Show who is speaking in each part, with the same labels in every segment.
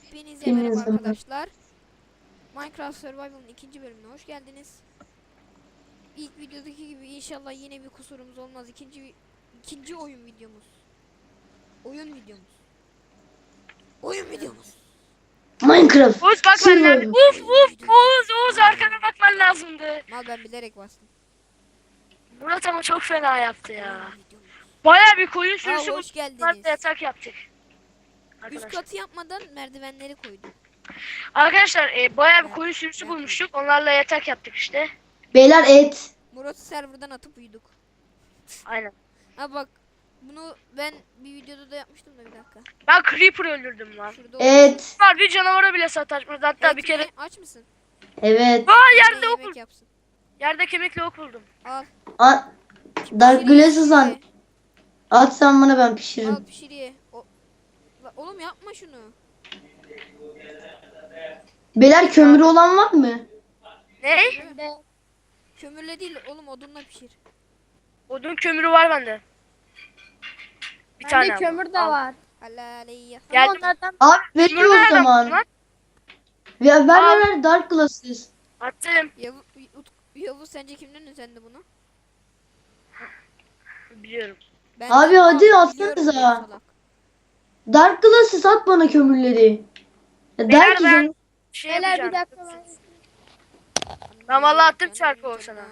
Speaker 1: Hepinize merhaba arkadaşlar. Minecraft Survival'ın ikinci bölümüne hoş geldiniz. İlk videodaki gibi inşallah yine bir kusurumuz olmaz. İkinci oyun videomuz. Oyun videomuz. Oyun videomuz.
Speaker 2: Minecraft
Speaker 3: Oğuz bak ben nerede?
Speaker 2: Survival.
Speaker 3: Uf
Speaker 1: Oyun
Speaker 3: uf
Speaker 1: videomuz.
Speaker 3: Oğuz arkana bakman lazımdı.
Speaker 1: Mal ben bilerek bastım.
Speaker 3: Murat ama çok fena yaptı ya.
Speaker 1: Oyun videomuz.
Speaker 3: Baya bir koyun
Speaker 1: Aa,
Speaker 3: sürüsü
Speaker 1: hoş
Speaker 3: bulduk.
Speaker 1: geldiniz.
Speaker 3: Yatak yaptık.
Speaker 1: Üst
Speaker 3: Arkadaşlar.
Speaker 1: katı yapmadan merdivenleri koydum.
Speaker 3: Arkadaşlar baya bir
Speaker 1: Ben-
Speaker 3: koyun sürüsü
Speaker 1: ben
Speaker 3: bulmuştuk. Onlarla yatak yaptık işte.
Speaker 2: Beyler et.
Speaker 1: Murat'ı serverdan atıp uyuduk.
Speaker 3: Aynen.
Speaker 1: Ha bak, bunu ben bir videoda da yapmıştım da bir dakika.
Speaker 3: Ben Creeper öldürdüm lan.
Speaker 1: Şurada
Speaker 2: Et.
Speaker 3: Var bir canavara bile sataşmadı. Hatta
Speaker 1: Et
Speaker 3: bir kere.
Speaker 1: mi? Aç mısın?
Speaker 2: Evet.
Speaker 3: Aa
Speaker 1: Bir de
Speaker 3: yerde ok
Speaker 1: yemek
Speaker 3: buldum.
Speaker 1: yapsın.
Speaker 3: Yerde kemikli ok buldum.
Speaker 1: Al.
Speaker 2: Dark Glasses
Speaker 1: Pişiriye.
Speaker 2: an. At sen bana ben
Speaker 1: Al
Speaker 2: pişiririm.
Speaker 1: pişiriye. Oğlum yapma şunu.
Speaker 2: Beyler kömürü olan var mı?
Speaker 3: Ne?
Speaker 1: Kömürle değil oğlum, odunla pişir.
Speaker 3: Odun kömürü var bende. Bir tane
Speaker 4: Bende
Speaker 3: ama.
Speaker 4: kömür de
Speaker 3: Al.
Speaker 4: var.
Speaker 1: Halaleyya.
Speaker 4: Ama
Speaker 3: Geldim.
Speaker 4: onlardan
Speaker 2: Abi
Speaker 3: Kömür
Speaker 2: veriyor o
Speaker 3: nereden buldun
Speaker 2: zaman.
Speaker 3: lan?
Speaker 2: Ya ver
Speaker 3: Al.
Speaker 2: ver Dark Glasses.
Speaker 3: Attım.
Speaker 1: Yavuz sence kimden özendi bunu?
Speaker 3: Biliyorum.
Speaker 1: Benden.
Speaker 2: Abi hadi
Speaker 1: Biliyorum
Speaker 2: atsanıza.
Speaker 1: diyor salak.
Speaker 2: Dark Glasses at bana kömürleri. Ya
Speaker 3: Beyler
Speaker 2: Dark
Speaker 3: ben
Speaker 2: izin.
Speaker 3: şey
Speaker 4: Beyler bir
Speaker 3: yapacağım.
Speaker 4: dakika
Speaker 3: Ben vallahi attım çarpı o sana.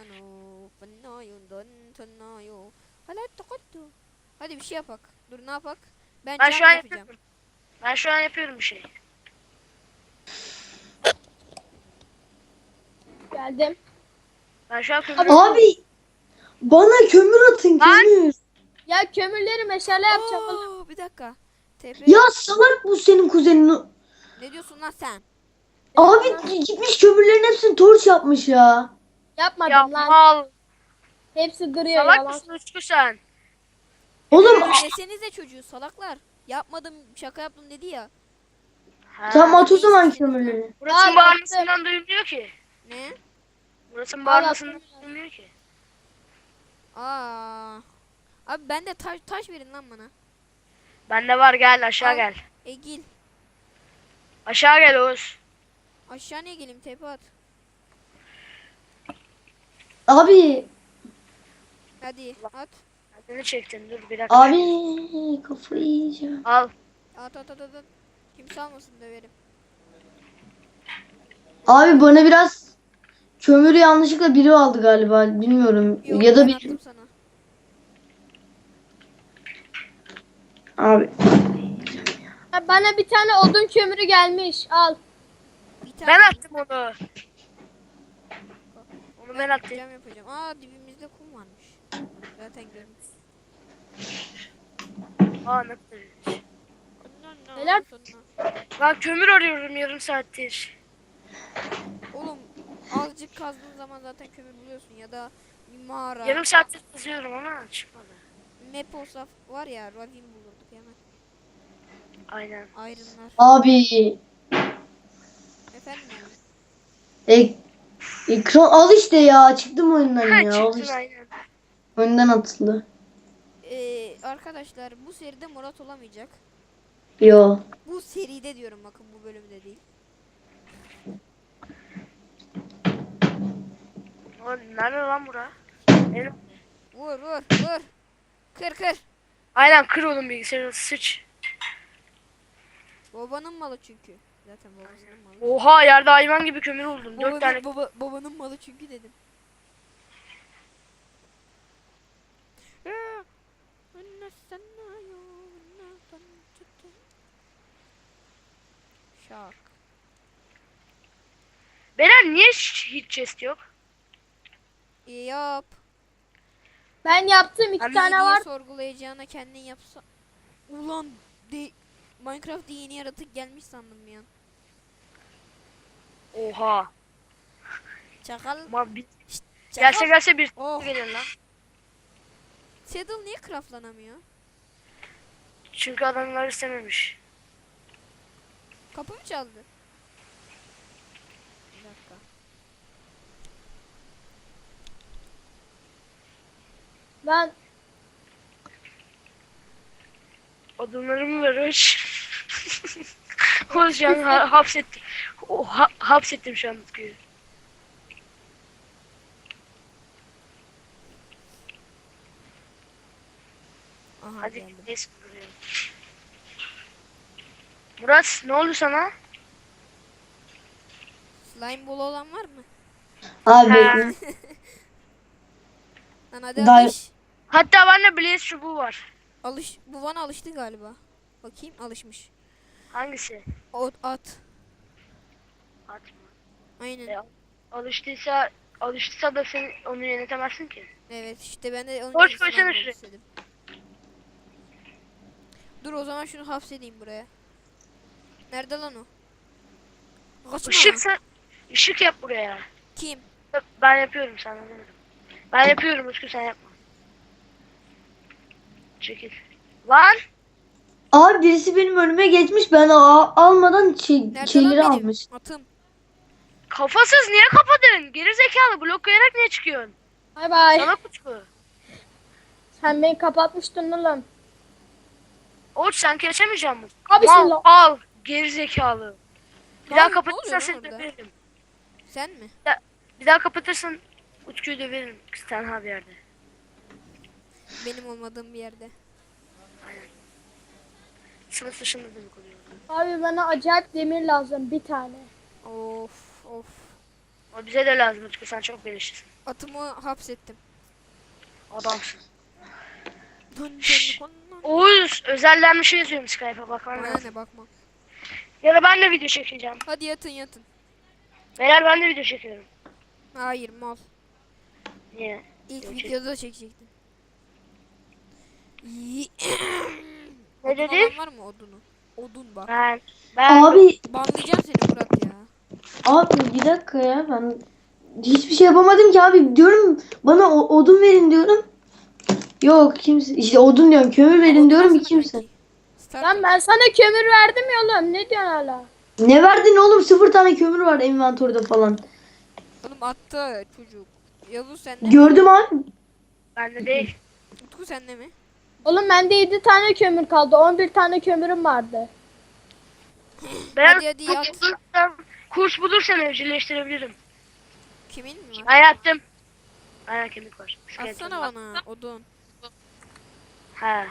Speaker 1: Hadi bir şey yapak. Dur ne yapak? Ben
Speaker 3: Ben
Speaker 1: cam
Speaker 3: şu an
Speaker 1: yapacağım.
Speaker 3: yapıyorum. Ben şu an yapıyorum bir şey.
Speaker 4: geldim.
Speaker 3: Ben şu an kömür
Speaker 2: Abi bana kömür atın kömür.
Speaker 4: Ya kömürleri meşale yapacağım.
Speaker 1: Oo, bir dakika. TP.
Speaker 2: Ya salak bu senin kuzenin.
Speaker 1: Ne diyorsun lan sen?
Speaker 2: Abi gitmiş kömürlerin hepsini torç yapmış ya.
Speaker 4: Yapmadım
Speaker 3: ya
Speaker 4: lan.
Speaker 3: mal.
Speaker 4: Hepsi duruyor
Speaker 3: Salak
Speaker 4: yalan.
Speaker 3: mısın Uçku sen?
Speaker 2: Oğlum
Speaker 1: Desenize çocuğu salaklar. Yapmadım, şaka yaptım dedi ya.
Speaker 2: tamam at o
Speaker 1: neyse,
Speaker 2: zaman
Speaker 1: senin
Speaker 2: kömürleri.
Speaker 3: Burasının
Speaker 4: Al,
Speaker 3: bağırmasından duyulmuyor ki.
Speaker 1: Ne?
Speaker 3: Burasının
Speaker 4: Al,
Speaker 3: bağırmasından
Speaker 4: attım.
Speaker 3: duyulmuyor ki.
Speaker 1: Aa. Abi bende taş verin lan bana.
Speaker 3: Bende var gel aşağı
Speaker 1: Al.
Speaker 3: gel.
Speaker 1: Gel.
Speaker 3: Aşağı gel Oğuz.
Speaker 1: Aşağı niye geleyim, tepe at.
Speaker 2: Abi
Speaker 1: Hadi at.
Speaker 3: Kendini çektin dur bir dakika.
Speaker 2: abi kafayı yiyeceğim.
Speaker 3: Al.
Speaker 1: At. Kimse almasın, döverim.
Speaker 2: Abi bana biraz kömürü yanlışlıkla biri aldı galiba. Bilmiyorum.
Speaker 1: Yok,
Speaker 2: Ya da
Speaker 1: ben
Speaker 2: bir
Speaker 1: attım sana.
Speaker 2: abi.
Speaker 4: Ya bana bir tane odun kömürü gelmiş. Al.
Speaker 1: Bir tane
Speaker 3: Ben attım onu. Onu ben attım.
Speaker 1: cam yapacağım. Aa, dibimizde kum varmış. Zaten görmüş.
Speaker 3: Aa ne kadar.
Speaker 4: Neler?
Speaker 3: Ben kömür arıyorum yarım saattir.
Speaker 1: Oğlum azıcık kazdığın zaman zaten kömür buluyorsun, ya da bir mağara.
Speaker 3: Yarım saattir kazıyorum ama çıkmadı.
Speaker 1: Map olsa var ya, ravin bulurduk hemen.
Speaker 3: Aynen.
Speaker 1: Ayrımlar.
Speaker 2: Abi
Speaker 1: Efendim abi.
Speaker 2: ekran al işte ya. Çıktım oyundan
Speaker 3: Ha
Speaker 2: ya. Al
Speaker 3: çıktın
Speaker 2: işte.
Speaker 3: aynen.
Speaker 2: Oyundan atıldı.
Speaker 1: Arkadaşlar bu seride Murat olamayacak.
Speaker 2: Yo.
Speaker 1: Bu seride diyorum, bakın bu bölümde değil.
Speaker 3: Oğlum, nerede lan bura? Benim.
Speaker 1: Vur. Kır.
Speaker 3: Aynen kır oğlum bilgisayarı sıç.
Speaker 1: Babanın malı çünkü. Zaten babasının malı.
Speaker 3: Oha yerde hayvan gibi kömür buldum. 4 tane.
Speaker 1: Babanın malı çünkü dedim. Şak.
Speaker 3: Beyler niye hiç chest yok?
Speaker 1: İyi yap.
Speaker 4: Ben yaptım. İki
Speaker 1: Abi
Speaker 4: tane
Speaker 1: niye
Speaker 4: var.
Speaker 1: sorgulayacağına kendin yapsa. Ulan Minecraft'ta yeni yaratık gelmiş sandım ya.
Speaker 3: Oha.
Speaker 1: Çakal.
Speaker 3: Ama bir
Speaker 1: Çakal.
Speaker 3: gelse bir
Speaker 1: Oh.
Speaker 3: gelir lan.
Speaker 1: Saddle niye craftlanamıyor?
Speaker 3: Çünkü adamlar istememiş.
Speaker 1: Kapı mı çaldı? Bir dakika.
Speaker 4: Ben
Speaker 3: Odunlarımı ver hoş. konuşacağım. Hapsettim. Hapsettim şu an Utku'yu.
Speaker 1: Aha
Speaker 3: Hadi
Speaker 1: geldim.
Speaker 3: neyse buraya. Murat ne oldu sana?
Speaker 1: Slime ball olan var mı?
Speaker 2: Abi
Speaker 3: Ha.
Speaker 2: bekle.
Speaker 1: Lan hadi
Speaker 2: Day-
Speaker 1: alış.
Speaker 3: Hatta bende Blaze çubuğu var.
Speaker 1: Alış. Bu bana alıştı galiba. Bakayım alışmış.
Speaker 3: Hangisi?
Speaker 1: At.
Speaker 3: At mı?
Speaker 1: Aynen.
Speaker 3: Ya. Alıştıysa da sen onu yönetemezsin ki.
Speaker 1: Evet işte ben de onun
Speaker 3: Hoş
Speaker 1: için
Speaker 3: koysana
Speaker 1: slime ball
Speaker 3: şuraya.
Speaker 1: istedim. Dur o zaman şunu hapsedeyim buraya. Nerede lan o? Kaçma.
Speaker 3: Işık yap buraya.
Speaker 1: Kim?
Speaker 3: Ben yapıyorum sana demedim. Ben yapıyorum Utku sen yapma. Çekil. Lan!
Speaker 2: Abi birisi benim önüme geçmiş. Ben almadan
Speaker 1: Nerede
Speaker 2: şeyleri
Speaker 1: lan benim?
Speaker 2: almış.
Speaker 1: Atım.
Speaker 3: Kafasız niye kapadın? Geri zekalı blok koyarak niye çıkıyorsun?
Speaker 4: Bay bay.
Speaker 3: Sana Utku.
Speaker 4: Sen beni kapatmıştın oğlum.
Speaker 3: Oğuz sen geçemeyecek misin?
Speaker 4: Abi
Speaker 3: Mal,
Speaker 4: şimdi
Speaker 3: al. Geri zekalı. Bir
Speaker 1: Ne
Speaker 3: daha
Speaker 1: oluyor- ne
Speaker 3: kapatırsan
Speaker 1: oluyor
Speaker 3: seni
Speaker 1: lan orada?
Speaker 3: döverim.
Speaker 1: Sen mi?
Speaker 3: Bir daha kapatırsan Utku'yu döverim. Tenha bir yerde.
Speaker 1: Benim olmadığım bir yerde.
Speaker 3: Sınıf dışında demek oluyor.
Speaker 4: abi bana acayip demir lazım bir tane.
Speaker 1: Of of.
Speaker 3: O bize de lazım Utku sen çok belirsisin.
Speaker 1: Atımı hapsettim.
Speaker 3: Adamsın.
Speaker 1: Dön
Speaker 3: Şşş.
Speaker 1: dön dön.
Speaker 3: Oğuz özelden bir şey yazıyorum Skype'a bakman
Speaker 1: Bana
Speaker 3: lazım.
Speaker 1: ne bakma.
Speaker 3: Ya da ben de video çekeceğim.
Speaker 1: Hadi yatın.
Speaker 3: Beyler ben de video çekiyorum.
Speaker 1: Hayır mal.
Speaker 3: Niye?
Speaker 1: İlk
Speaker 3: Yok,
Speaker 1: videoda çekecektin.
Speaker 3: Ne
Speaker 1: Odun
Speaker 3: dedi?
Speaker 1: olan var mı odunu? Odun bak.
Speaker 3: Ben
Speaker 2: Abi
Speaker 1: Banlayacağım seni Murat ya.
Speaker 2: abi bir dakika ya, ben hiçbir şey yapamadım ki abi. Diyorum bana odun verin diyorum. Yok kimse, işte odun diyorum, kömür verin
Speaker 1: Odun
Speaker 2: diyorum,
Speaker 1: alsana
Speaker 2: kimse.
Speaker 1: kanki. Start
Speaker 4: Lan
Speaker 1: et.
Speaker 4: ben sana kömür verdim ya oğlum. Ne diyorsun hala?
Speaker 2: Ne verdin oğlum? 0 tane kömür var envantörde falan.
Speaker 1: Oğlum attı çocuk. Yavuz sende mi?
Speaker 2: Gördüm abi.
Speaker 3: bende değil.
Speaker 1: Utku sende mi?
Speaker 4: Oğlum bende 7 tane kömür kaldı. 11 tane kömürüm vardı.
Speaker 3: Ben
Speaker 1: Hadi yat.
Speaker 3: kurs bulursan evcilleştirebilirim.
Speaker 1: Kimin mi var?
Speaker 3: Ben yattım. Aynen kemik var.
Speaker 1: Atsana bana odun.
Speaker 3: He.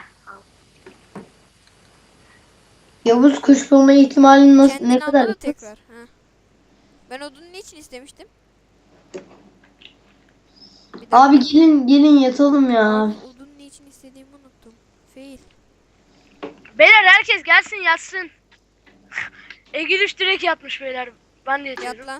Speaker 2: Yavuz kuş bulma ihtimali nasıl,
Speaker 1: Kendin
Speaker 2: ne kadar?
Speaker 1: anla da tekrar. Ha. Ben odunu niçin istemiştim? Bir dakika.
Speaker 2: Abi gelin yatalım ya.
Speaker 1: Abi odunu niçin istediğimi unuttum. Fail.
Speaker 3: Beyler herkes gelsin yatsın. Egülüş direkt yatmış beyler. Ben de yatıyorum.
Speaker 1: Yat lan.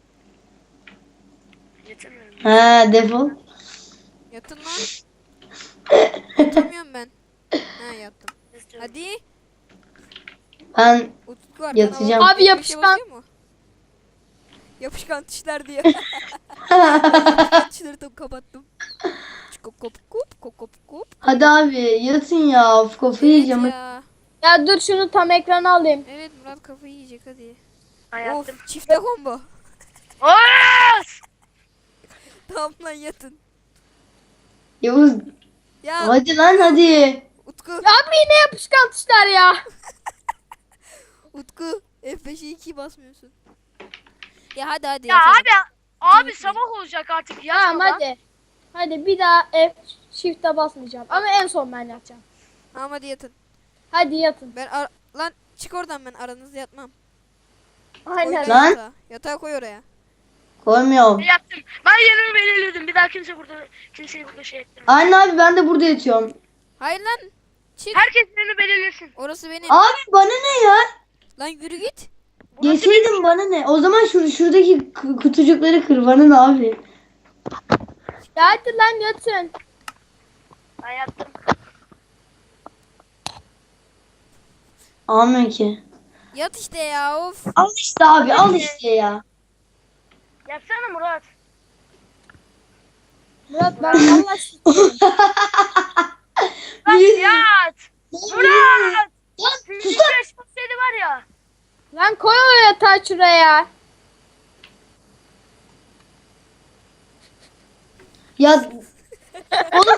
Speaker 3: Yatamıyorum.
Speaker 2: He defol.
Speaker 1: Yatın lan. Yatamıyorum ben. Ha yattım. Hadi.
Speaker 2: Ben
Speaker 1: Utku arkadan
Speaker 2: Yatacağım.
Speaker 1: bak.
Speaker 4: Abi yapışkan.
Speaker 1: basıyor mu? Yapışkan tuşlar diyor. Yapışkan tuşları tam kapattım. Kop kop kop kop kop kop.
Speaker 2: hadi abi yatın ya. Of, kafayı
Speaker 1: Evet
Speaker 2: yiyeceğim.
Speaker 1: ya.
Speaker 4: Ya dur şunu tam ekrana alayım.
Speaker 1: Evet Murat kafayı yiyecek hadi.
Speaker 3: Ben yattım.
Speaker 1: Of çifte combo.
Speaker 3: Oğuz!
Speaker 1: Tamam lan yatın.
Speaker 2: Yavuz
Speaker 1: Ya
Speaker 2: hadi lan hadi.
Speaker 1: Utku.
Speaker 4: Ya abi yine yapışkan tuşlar ya.
Speaker 1: Utku. F5'e 2 basmıyorsun. Ya hadi
Speaker 3: Ya
Speaker 1: yatalım.
Speaker 3: abi sabah olacak artık yatma
Speaker 4: Tamam
Speaker 3: lan.
Speaker 4: hadi. Hadi bir daha F shift'e basmayacağım. Ama en son ben yatacağım.
Speaker 1: Tamam hadi yatın.
Speaker 4: Hadi yatın.
Speaker 1: Lan çık oradan, ben aranızda yatmam.
Speaker 4: Aynen.
Speaker 1: Koy
Speaker 2: Lan.
Speaker 1: yatağa. Yatağı koy oraya.
Speaker 2: Koymuyorum.
Speaker 3: Yattım. Ben yerimi belirledim. Bir daha kimseyi burada şey ettirme.
Speaker 2: Aynen abi, ben de burada yatıyorum.
Speaker 1: Hayır lan. Çık.
Speaker 3: Herkes yerini belirlesin.
Speaker 1: Orası benim.
Speaker 2: Abi bana ne ya?
Speaker 1: Lan yürü git.
Speaker 2: Yeseydin bana ne? O zaman şuradaki kutucukları kır, bana ne abi?
Speaker 4: Ya hadi lan yatın.
Speaker 3: Ben yattım.
Speaker 2: Almıyor ki.
Speaker 1: Yat işte ya of.
Speaker 2: Al işte abi, al işte ya.
Speaker 3: Yatsana Murat.
Speaker 4: Murat ben valla sıkıyorum.
Speaker 3: Bak yat. Murat.
Speaker 2: Lan
Speaker 3: Sizin
Speaker 2: sus lan.
Speaker 3: yaşmasaydı var ya.
Speaker 4: Lan koy o yatağı şuraya.
Speaker 2: Ya oğlum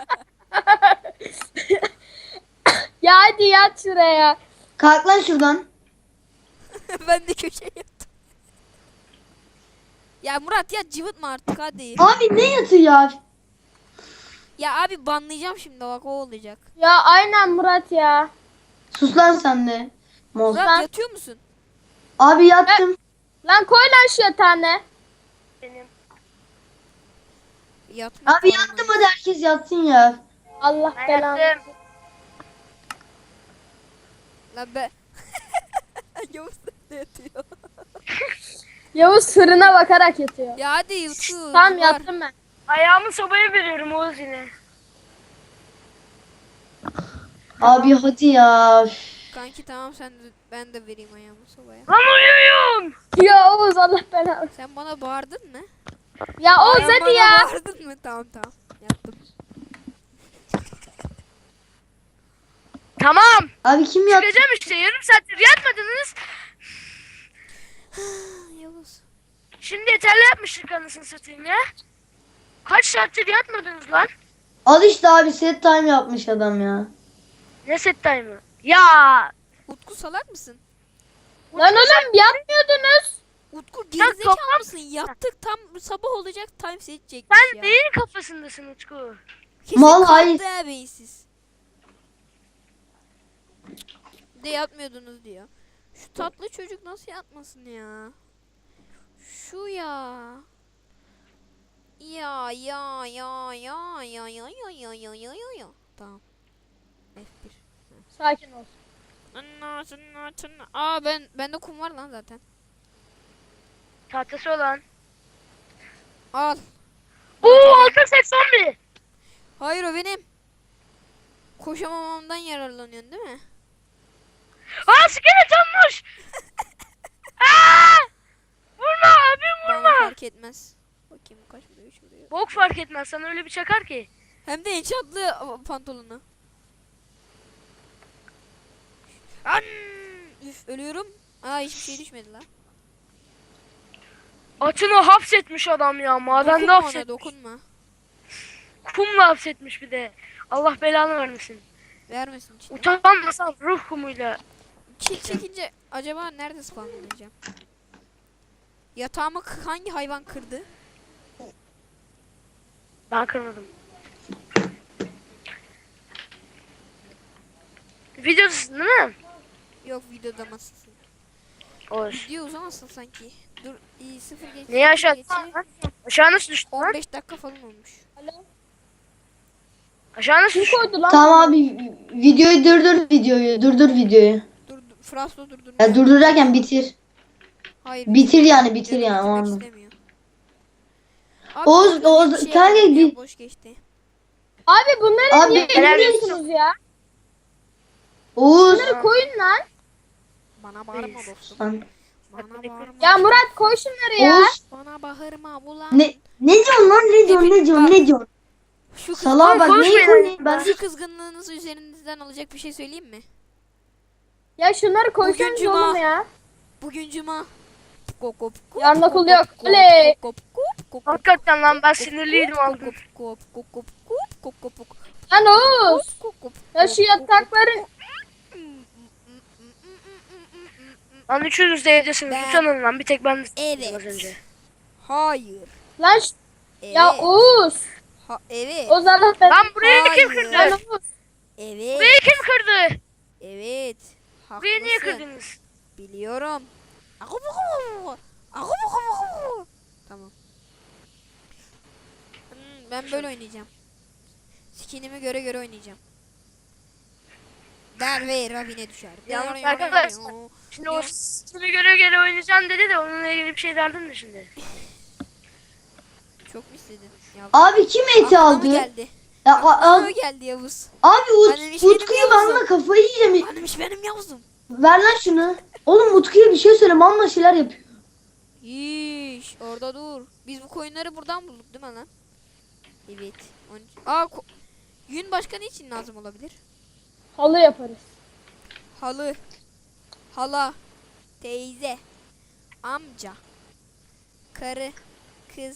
Speaker 4: Ya hadi yat şuraya.
Speaker 2: kalk lan şuradan.
Speaker 1: Ben de köşeye yattım. Ya Murat ya cıvıtma artık hadi.
Speaker 2: Abi ne yatı ya?
Speaker 1: Ya abi banlayacağım şimdi bak o olacak.
Speaker 4: Ya aynen Murat ya.
Speaker 2: Sus lan sen de. Moz.
Speaker 1: Murat yatıyor musun?
Speaker 2: Abi yattım.
Speaker 4: Lan koy lan şu yatağını.
Speaker 3: Benim.
Speaker 1: Yatma.
Speaker 2: Abi yattım, hadi herkes yatsın ya.
Speaker 4: Allah
Speaker 3: Ben
Speaker 4: belanı.
Speaker 3: yattım.
Speaker 1: Lan be. Yavuz da yatıyor.
Speaker 4: Yavuz fırına bakarak yatıyor.
Speaker 1: Ya hadi Utku.
Speaker 4: Tamam
Speaker 1: var.
Speaker 4: yattım ben.
Speaker 3: Ayağımı sobaya veriyorum Oğuz yine.
Speaker 2: Abi hadi ya. Üf.
Speaker 1: Kanki tamam sen de, ben de vereyim ayağımı sobaya.
Speaker 3: Lan uyuyorum.
Speaker 4: Ya Oğuz Allah belanı.
Speaker 1: Sen bana bağırdın mı?
Speaker 4: Ya Oğuz
Speaker 1: Sen
Speaker 4: hadi
Speaker 1: bana
Speaker 4: ya.
Speaker 1: bağırdın mı? Tamam tamam. Yattım.
Speaker 3: Tamam.
Speaker 2: Abi kim yattı?
Speaker 3: Çıkacağım işte yarım saattir yatmadınız.
Speaker 1: Yavuz.
Speaker 3: Şimdi yeterli yapmıştık anasını satayım ya. Kaç saattir yatmadınız lan?
Speaker 2: Al işte abi, set time yapmış adam ya.
Speaker 3: Ne set time'ı? Ya.
Speaker 1: Utku salak mısın?
Speaker 4: Lan oğlum yatmıyordunuz.
Speaker 1: Utku
Speaker 3: Sen
Speaker 1: gerizekalı
Speaker 3: kafam-
Speaker 1: mısın? Yattık tam sabah olacak time seçecekmiş
Speaker 3: Sen
Speaker 1: ya.
Speaker 3: neyin kafasındasın Utku?
Speaker 1: Kesin
Speaker 2: Mal,
Speaker 1: kalktı
Speaker 2: hayır.
Speaker 1: ha beyinsiz. De yatmıyordunuz diyor. Şu tatlı çocuk nasıl yatmasın ya? Şu ya. Ya. Tamam. F1.
Speaker 4: Sakin ol.
Speaker 1: Aa bende kum var lan zaten.
Speaker 3: Tahtası olan.
Speaker 1: Al.
Speaker 3: Oo 681.
Speaker 1: Hayır o benim. Koşamamamdan yararlanıyorsun değil mi?
Speaker 3: Aa skelet olmuş. Aa! Vurma abim
Speaker 1: Bana
Speaker 3: vurma.
Speaker 1: fark etmez. Bakayım kaç vuruyor, 3 vuruyor.
Speaker 3: Bok fark etmez sana öyle bir çakar ki.
Speaker 1: Hem de enchantlı pantolonu. An! Üf ölüyorum. Aa hiçbir şey düşmedi lan.
Speaker 3: Atını hapsetmiş adam ya. Madende
Speaker 1: Dokunma ona
Speaker 3: hapsetmiş.
Speaker 1: dokunma.
Speaker 3: Kumla hapsetmiş bir de. Allah belanı vermesin.
Speaker 1: Vermesin içine.
Speaker 3: Utanmasan ruh kumuyla.
Speaker 1: Kill çekince acaba nerede spawnlanacağım? Yatağımı hangi hayvan kırdı?
Speaker 3: Ben kırmadım. Videodasın değil mi?
Speaker 1: Yok videoda mısın?
Speaker 3: Olur.
Speaker 1: Video uzamasın sanki. Dur iyi 0 geç.
Speaker 3: Neyi aşağı
Speaker 1: geçe
Speaker 3: Aşağı nasıl düştün lan?
Speaker 1: 15 dakika falan olmuş.
Speaker 4: Alo.
Speaker 3: Aşağı nasıl
Speaker 4: Kim
Speaker 3: düştün?
Speaker 4: koydu lan?
Speaker 2: Tamam abi, videoyu durdur, durdur videoyu.
Speaker 1: Dur Fraslo durdurmuş.
Speaker 2: Ya durdururken bitir.
Speaker 1: Hayır.
Speaker 2: Bitir yani, bitir
Speaker 1: Canım
Speaker 2: yani o
Speaker 1: bitirmek
Speaker 2: anlamda.
Speaker 1: istemiyor. Abi,
Speaker 2: Oğuz-
Speaker 1: orada
Speaker 2: Oğuz-
Speaker 1: bir şey
Speaker 2: kanka
Speaker 1: yapalım ya,
Speaker 2: bir-
Speaker 1: boş geçti.
Speaker 4: Abi bunları
Speaker 2: Abi,
Speaker 4: niye
Speaker 3: helal
Speaker 4: indiriyorsunuz ya?
Speaker 2: Oğuz.
Speaker 4: Bunları koyun lan.
Speaker 1: Bana bağırma dostum.
Speaker 2: Lan.
Speaker 1: Bana bağırma.
Speaker 4: Ya Murat koy şunları ya.
Speaker 2: Oğuz.
Speaker 1: Bana bağırma ulan.
Speaker 2: Ne diyorsun lan, ne diyorsun, ne diyorsun, ne diyorsun?
Speaker 1: Şu
Speaker 2: Salağa bak,
Speaker 3: konuşmayın
Speaker 2: neyi koyayım ben?
Speaker 1: Şu kızgınlığınızı üzerinizden alacak bir şey söyleyeyim mi?
Speaker 4: Ya şunları koysanız
Speaker 1: Bugün cuma.
Speaker 4: oğlum ya.
Speaker 1: Bugün cuma. Kop kop kop.
Speaker 4: Yarın
Speaker 1: kop,
Speaker 4: okul
Speaker 1: kop,
Speaker 4: yok.
Speaker 1: kop,
Speaker 4: Oley.
Speaker 1: kop, kop, kop, kop,
Speaker 3: Hakikaten lan ben sinirliydim
Speaker 1: kop,
Speaker 3: aldım.
Speaker 1: kop, kop, kop, kop, kop, kop, kop, kop,
Speaker 4: Lan Oğuz.
Speaker 1: kop, kop,
Speaker 4: Ya
Speaker 1: kop,
Speaker 4: şu yatakların.
Speaker 3: Lan üçünüz de evdesiniz.
Speaker 1: Ben-
Speaker 3: Utanın lan bir tek ben
Speaker 1: Evet.
Speaker 3: az önce.
Speaker 1: Hayır.
Speaker 4: Lan
Speaker 1: Evet.
Speaker 4: ya Oğuz.
Speaker 1: Evet.
Speaker 4: Oğuz Allah ben.
Speaker 3: Lan burayı kim
Speaker 1: Hayır.
Speaker 3: kırdı?
Speaker 4: Lan Oğuz.
Speaker 1: Evet.
Speaker 3: Burayı kim kırdı?
Speaker 1: Evet.
Speaker 3: Burayı niye
Speaker 1: Haklısın.
Speaker 3: kırdınız?
Speaker 1: Biliyorum. Tamam. Ben böyle oynayacağım. Skinime göre göre oynayacağım. Der ve Ravin'e düşer.
Speaker 3: Yalnız arkadaşlar, Şimdi o sizi göre göre oynayacağım dedi de onunla ilgili bir şey derdin de şimdi.
Speaker 1: Çok mu istedin? Ya,
Speaker 2: Abi kim eti
Speaker 1: aklıma
Speaker 2: aldı?
Speaker 1: geldi.
Speaker 2: Ya,
Speaker 1: Aklıma geldi Yavuz.
Speaker 2: abi
Speaker 1: Annem hiç benim
Speaker 2: Utku'yu
Speaker 1: Yavuz'um.
Speaker 2: banla, kafayı yiyeceğim.
Speaker 1: Annemiş benim Yavuz'um.
Speaker 2: Ver lan şunu. Oğlum Utku'ya bir şey söyle, manla şeyler yapıyor.
Speaker 1: Yiş orada dur. Biz bu koyunları buradan bulduk değil mi lan? Evet. Aa yün başka ne için lazım olabilir?
Speaker 4: Halı yaparız.
Speaker 1: Halı. Hala. Teyze. Amca. Karı. Kız.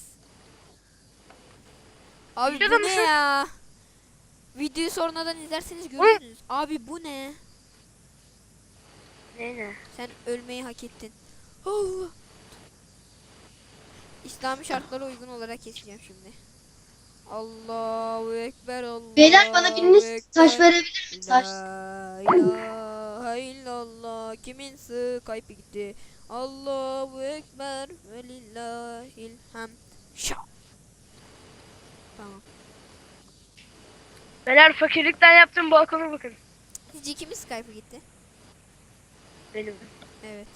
Speaker 1: Abi
Speaker 3: Videoda
Speaker 1: bu ne
Speaker 3: mısın?
Speaker 1: ya? Videoyu sonradan izlerseniz görürsünüz. Abi bu ne?
Speaker 3: Ne?
Speaker 1: Sen ölmeyi hak ettin. Allah. İslami şartlara uygun olarak keseceğim şimdi. Allahu Ekber, Allahu
Speaker 2: Beyler bana biriniz taş
Speaker 1: Ekber.
Speaker 2: verebilir mi? Taş.
Speaker 1: La ilahe illallah. Kimin Skype'ı gitti? Allahu Ekber ve lillahil hamd. Şah. Tamam.
Speaker 3: Beyler fakirlikten yaptığım balkona bakın.
Speaker 1: Sizce kimin Skype'ı gitti?
Speaker 3: Benim.
Speaker 1: Evet.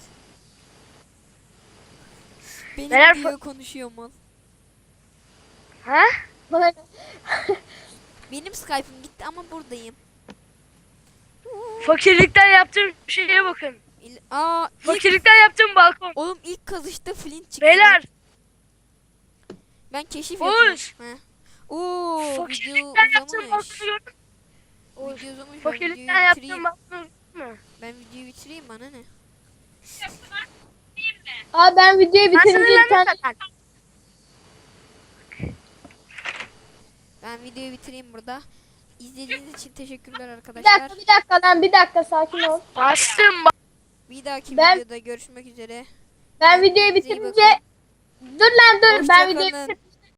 Speaker 1: Benim
Speaker 3: Neler
Speaker 1: diyor konuşuyor mal.
Speaker 3: Ha?
Speaker 4: Bana
Speaker 1: Benim Skype'ım gitti ama buradayım.
Speaker 3: Fakirlikten yaptığım şeye bakın.
Speaker 1: Aa,
Speaker 3: Fakirlikten yaptığım balkon.
Speaker 1: oğlum ilk kazışta flint çıktı.
Speaker 3: Beyler
Speaker 1: Ben keşif
Speaker 3: Oğuz.
Speaker 1: yapıyorum. He. Oo, video
Speaker 3: fakirlikten yaptığım
Speaker 1: uzamış.
Speaker 3: balkonu gördün mü?
Speaker 1: Video uzamış. Ben videoyu
Speaker 3: Fakirlikten yaptığım
Speaker 1: bitireyim.
Speaker 3: balkonu gördün mü?
Speaker 1: Ben videoyu bitireyim, bana ne?
Speaker 4: Abi ben videoyu
Speaker 3: Ben sana
Speaker 4: bitirince bir
Speaker 3: lanet
Speaker 4: tane
Speaker 3: atarım.
Speaker 1: Ben videoyu bitireyim burada. İzlediğiniz için teşekkürler
Speaker 4: bir
Speaker 1: arkadaşlar.
Speaker 4: dakika bir dakika lan bir dakika sakin ol.
Speaker 3: Bastım.
Speaker 1: Bir dahaki
Speaker 4: Ben-
Speaker 1: videoda görüşmek üzere.
Speaker 4: Ben videoyu
Speaker 1: Kendinize iyi
Speaker 4: bitirince dur lan dur ben videoyu
Speaker 1: Hoşçakalın.
Speaker 4: bitirince